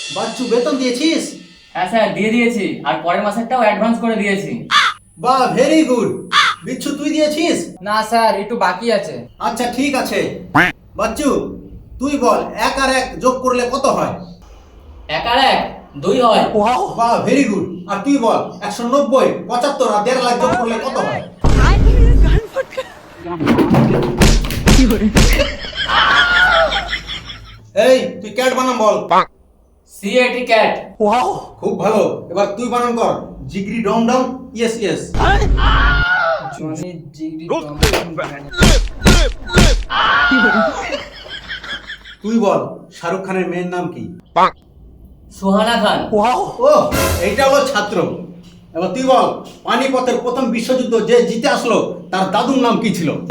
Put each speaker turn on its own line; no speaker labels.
বাচ্চু বেতন দিয়েছিস?
হ্যাঁ স্যার দিয়ে দিয়েছি, আর পরের মাসেরটাও অ্যাডভান্স করে দিয়েছি।
বাহ, ভেরি গুড। বিচ্ছু তুই দিয়েছিস?
না স্যার, একটু বাকি আছে।
আচ্ছা ঠিক আছে। বাচ্চু তুই বল, 1 আর 1 যোগ করলে কত হয়?
1 আর 1 2 হয়।
বাহ, ভেরি গুড। আর তুই বল, 190 75 আর 1.5 লাখ যোগ করলে কত হয়? এই তুই ক্যাট বানাম বল।
CAT cat.
খুব ভালো। এবার তুই বানান কর, জিগরি ডম ডম। Yes yes.
জনি জিগরি
তুই বল, শাহরুখ খানের মেয়ের নাম কি?
সুহানা খান।
ও, এইটা হলো ছাত্র। এবার তুই বল, পানিপথের প্রথম বিশ্বযুদ্ধ যে জিতে আসলো তার দাদুর নাম কি ছিল?